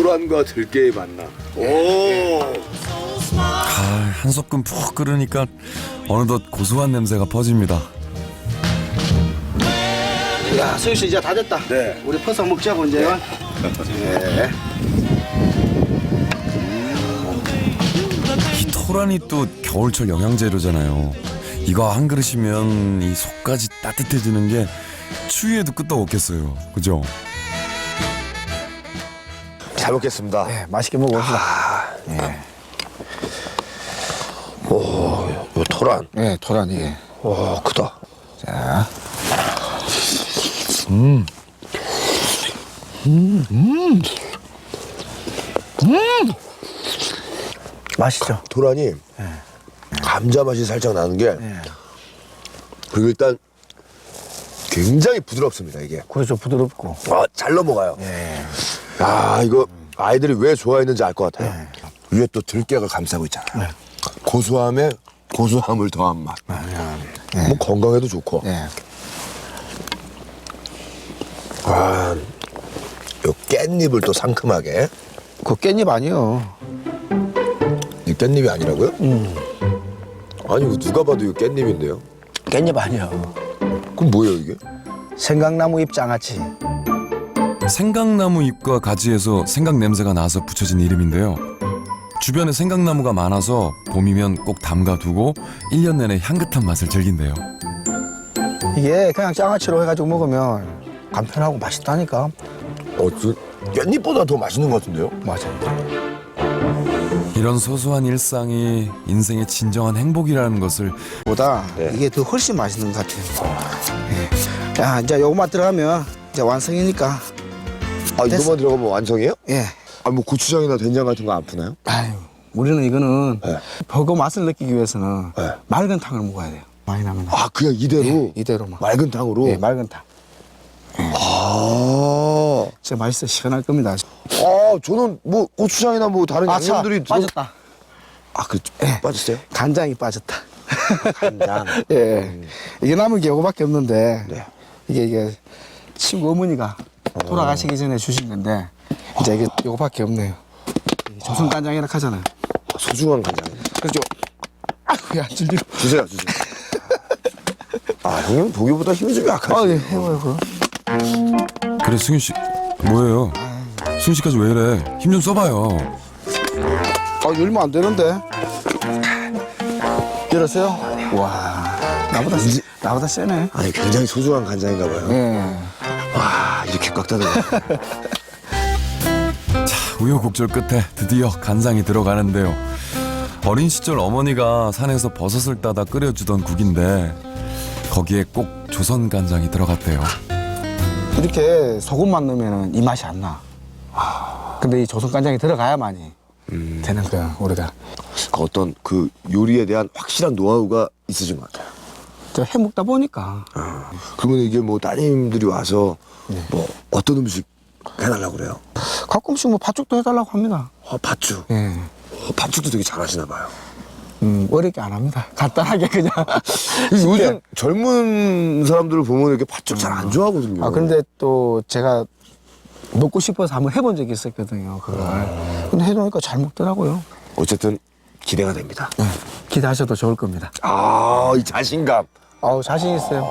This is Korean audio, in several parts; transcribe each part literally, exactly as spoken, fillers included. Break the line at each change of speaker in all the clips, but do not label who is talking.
토란과 들깨의 만남. 오.
아, 한 소끔 푹 끓으니까 어느덧 고소한 냄새가 퍼집니다.
야, 수유 씨 이제 다 됐다.
네.
우리 퍼서 먹자고 이제. 네.
이 토란이 또 겨울철 영양제로잖아요. 이거 한 그릇이면 이 속까지 따뜻해지는 게 추위에도 끄떡 없겠어요. 그죠?
잘 먹겠습니다.
네, 맛있게 먹어봅시다.
아, 예. 오, 요 토란.
네, 토란 이게.
와, 크다.
자,
음. 음, 음. 음.
맛있죠.
토란이 감자 맛이 살짝 나는 게
네.
그리고 일단 굉장히 부드럽습니다, 이게.
그렇죠, 부드럽고.
아, 잘 넘어가요.
네.
야, 이거 아이들이 왜 좋아했는지 알 것 같아요. 위에 또 들깨가 감싸고 있잖아요. 고소함에 고소함을 더한 맛.
네.
뭐 건강에도 좋고.
네.
와, 요 깻잎을 또 상큼하게.
그 깻잎 아니요.
이 깻잎이 아니라고요?
음.
아니, 이거 누가 봐도 이거 깻잎인데요?
깻잎 아니요.
그럼 뭐예요, 이게?
생강나무 잎 장아찌.
생강나무 잎과 가지에서 생강 냄새가 나서 붙여진 이름인데요. 주변에 생강나무가 많아서 봄이면 꼭 담가두고 일 년 내내 향긋한 맛을 즐긴대요.
이게 그냥 장아찌로 해가지고 먹으면 간편하고 맛있다니까.
어, 저 깻잎보다 더 맛있는 것 같은데요?
맞아요.
이런 소소한 일상이 인생의 진정한 행복이라는 것을
보다
네.
이게 더 훨씬 맛있는 것 같아요. 예. 자, 이제 요것만 들어가면 이제 완성이니까.
아,
됐어.
이거만 들어가면 완성이에요?
예.
아, 뭐 고추장이나 된장 같은 거 안 푸나요?
아유, 우리는 이거는
네.
버거 맛을 느끼기 위해서는
네.
맑은 탕을 먹어야 돼요. 많이 나면.
아, 그냥 이대로?
예, 이대로만.
맑은 탕으로?
예, 맑은 탕.
아,
진짜 맛있어 시원할 겁니다.
아, 저는 뭐 고추장이나 뭐 다른
아, 차
양념들이 들어-
빠졌다.
아, 그
예.
빠졌어요?
간장이 빠졌다.
간장.
예. 이게 남은 게 요거밖에 없는데
네.
이게 이게 친구 어머니가 돌아가시기 전에 주신 건데 이제 이게 요거밖에 없네요. 조선 간장이라 하잖아요.
소중한 간장.
그렇죠. 아이고 야 질리로.
주세요, 주세요. 아, 형님 보기보다 힘이 좀 약하지.
아, 예, 해봐요 그럼.
그래 승윤 씨 뭐예요? 승윤 씨까지 왜 이래? 힘 좀 써봐요.
아, 열면 안 되는데. 열었어요? 와, 나보다 세, 나보다 세네.
아니, 굉장히 소중한 간장인가 봐요.
예.
와, 이렇게 꽉 닫아요.
우여곡절 끝에 드디어 간장이 들어가는데요. 어린 시절 어머니가 산에서 버섯을 따다 끓여주던 국인데 거기에 꼭 조선 간장이 들어갔대요.
이렇게 소금만 넣으면 이 맛이 안 나. 근데 이 조선 간장이 들어가야만이
음.
되는 거야 우리가.
그 어떤 그 요리에 대한 확실한 노하우가 있으신 것 같아요.
저 해 먹다 보니까.
그러면 이게 뭐 따님들이 와서
네.
뭐 어떤 음식 해달라고 그래요?
가끔씩 뭐 팥죽도 해달라고 합니다.
어, 팥죽.
예.
어, 팥죽도 되게 잘하시나 봐요.
음, 어렵게 안 합니다. 간단하게 그냥.
요즘 젊은 사람들을 보면 이렇게 팥죽 잘 안 좋아하거든요.
아, 근데 또 제가 먹고 싶어서 한번 해본 적이 있었거든요, 그걸. 근데 해놓으니까 잘 먹더라고요.
어쨌든 기대가 됩니다.
네. 기대하셔도 좋을 겁니다.
아, 이 자신감.
아우, 자신 있어요.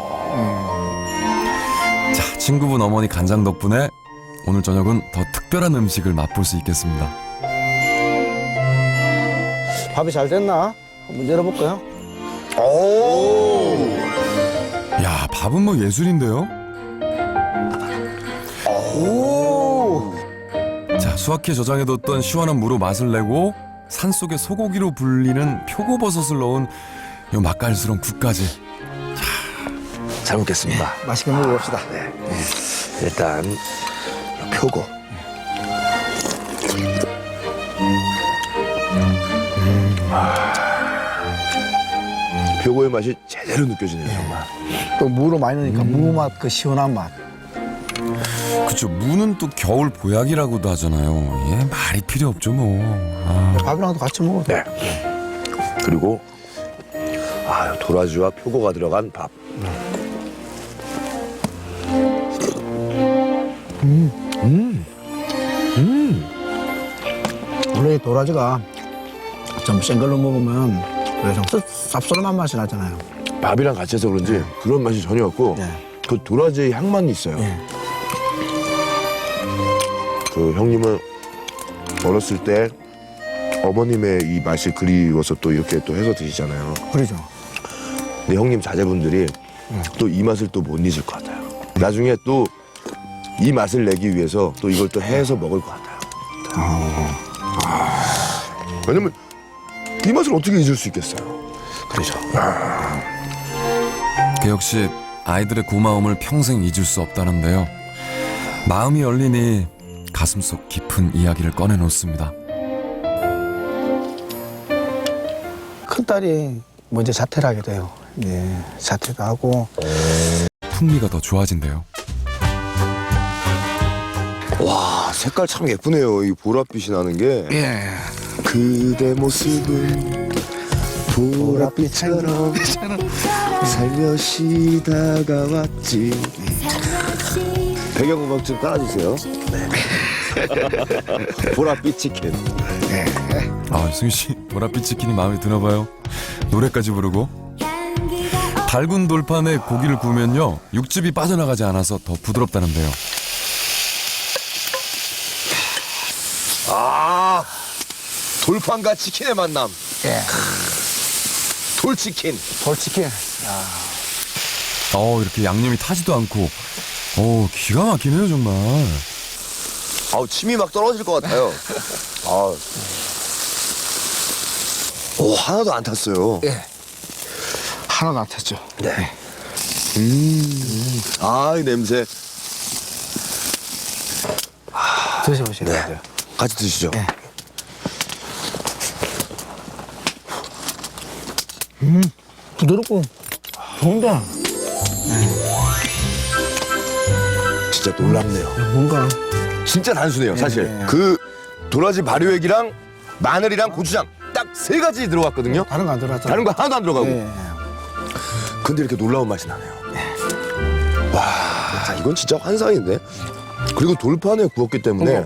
자, 친구분 어머니 간장 덕분에 오늘 저녁은 더 특별한 음식을 맛볼 수 있겠습니다.
밥이 잘 됐나? 한번 열어볼까요?
오.
야, 밥은 뭐 예술인데요?
오!
자, 수확해 저장해뒀던 시원한 무로 맛을 내고 산속의 소고기로 불리는 표고버섯을 넣은 요 맛깔스러운 국까지.
잘 먹겠습니다.
맛있게 먹어봅시다.
네. 일단 표고. 음. 표고의 맛이 제대로 느껴지네요, 정말.
또 무로 많이 넣으니까 무 맛, 그 시원한 맛.
그쵸, 무는 또 겨울 보약이라고도 하잖아요. 예, 말이 필요 없죠 뭐. 아.
밥이랑도 같이 먹어도 돼.
네. 그리고 아, 도라지와 표고가 들어간 밥. 음. 음. 음.
원래 도라지가 좀 센 걸로 먹으면 왜 좀 쌉싸름한 맛이 나잖아요.
밥이랑 같이 해서 그런지 그런 맛이 전혀 없고
네.
그 도라지의 향만 있어요.
예.
그 형님은 어렸을 때 어머님의 이 맛이 그리워서 또 이렇게 또 해서 드시잖아요.
그러죠.
근데 형님 자제분들이 또 이 맛을 또 못 잊을 것 같아요. 나중에 또 이 맛을 내기 위해서 또 이걸 또 해서 먹을 것 같아요. 아, 왜냐면 이 맛을 어떻게 잊을 수 있겠어요?
그러죠.
그 역시 아이들의 고마움을 평생 잊을 수 없다는데요. 마음이 열리니 가슴속 깊은 이야기를 꺼내놓습니다.
큰딸이 먼저 자퇴를 하게 돼요. 예, 자퇴도 하고.
풍미가 더 좋아진대요.
와, 색깔 참 예쁘네요. 이 보랏빛이 나는 게.
예.
그대 모습은 보랏빛처럼 살며시 다가왔지. 배경음악 좀 깔아주세요. 네. 보랏빛 치킨.
아, 승희 씨, 보랏빛 치킨이 마음에 드나 봐요. 노래까지 부르고. 달군 돌판에 고기를 구우면요, 육즙이 빠져나가지 않아서 더 부드럽다는데요.
아, 돌판과 치킨의 만남.
예.
돌치킨.
돌치킨.
어, 이렇게 양념이 타지도 않고, 어, 기가 막히네요, 정말.
아우, 침이 막 떨어질 것 같아요. 아, 오, 하나도 안 탔어요.
예. 하나도 안 탔죠.
네. 음, 아, 이 냄새.
드셔보시면
네.
돼요.
같이 드시죠.
예. 음, 부드럽고 좋은데
진짜 놀랍네요.
뭔가
진짜 단순해요, 사실.
네.
그 도라지 발효액이랑 마늘이랑 고추장 딱 세 가지 들어갔거든요.
다른 거 안 들어갔잖아요.
다른 거 하나도 안 들어가고.
예.
근데 이렇게 놀라운 맛이 나네요. 와, 이건 진짜 환상인데. 그리고 돌판에 구웠기 때문에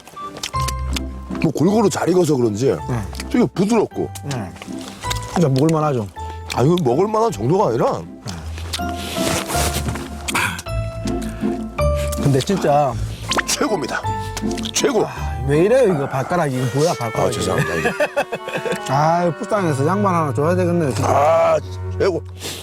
뭐 골고루 잘 익어서 그런지 되게 부드럽고.
예. 진짜 먹을만 하죠.
아, 이거 먹을 만한 정도가 아니라
근데 진짜
최고입니다. 최고.
왜 이래요 이거 발가락이 이거 뭐야
아,
발가락이.
죄송합니다. 이게.
아 불쌍해서 양말 하나 줘야 되겠네요 진짜.
아, 최고.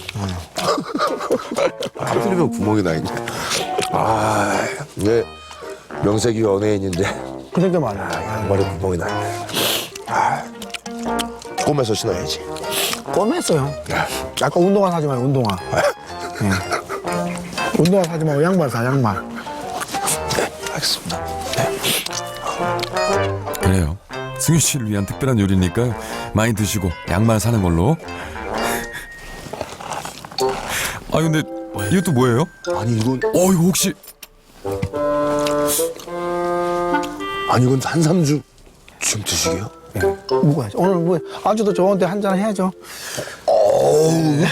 터뜨리면 구멍이 나 있네. 아, 이게 명색이 연예인인데
그러니까 말이야.
양말에 구멍이 나 있네. 아, 꿈에서 신어야지.
껌했어요. 아까 운동화 사지 마요 운동화. 예. 운동화 사지 말고 양말 사 양말.
네, 알겠습니다.
그래요. 승희 씨를 위한 특별한 요리니까 많이 드시고 양말 사는 걸로. 아, 근데 이것도 뭐예요?
아니 이건
어, 이거 혹시
아니 이건 한삼주 지금 드시게요?
예. 먹어야지. 오늘 뭐 아주도 좋은데 한 잔 해야죠.
어우,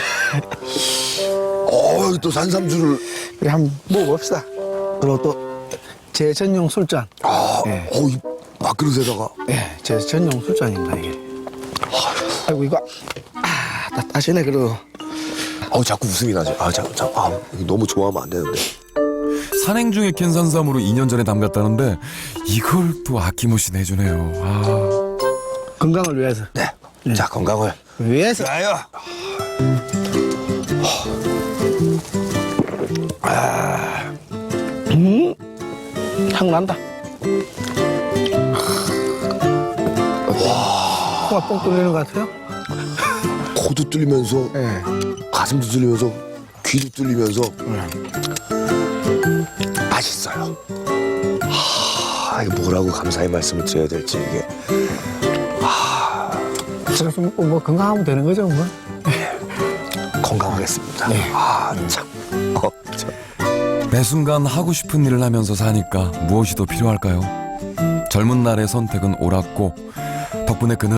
어우 또 산삼주를.
우리 한번 먹어봅시다. 그리고 또 제 전용 술잔.
아,
예.
어우 이 밥그릇에다가.
예, 제 전용 술잔입니다 이게. 아이고 이거 아, 다 따시네 그래도.
어우 자꾸 웃음이 나죠. 아, 자꾸 자꾸 아, 이거 너무 좋아하면 안 되는데.
산행 중에 캔 산삼으로 이 년 전에 담갔다는데 이걸 또 아낌없이 내주네요. 아,
건강을 위해서.
네. 자, 건강을
위해서.
위하여.
향 난다. 와. 코가 뻥 뚫리는 것 같아요?
코도 뚫리면서
예.
가슴도 뚫리면서 귀도 뚫리면서 맛있어요. 하, 이거 뭐라고 감사의 말씀을 드려야 될지 이게.
그래서 뭐, 뭐 건강하면 되는 거죠 뭐.
건강하겠습니다.
네.
아, 참. 어, 참.
매 순간 하고 싶은 일을 하면서 사니까 무엇이 더 필요할까요? 젊은 날의 선택은 옳았고 덕분에 그는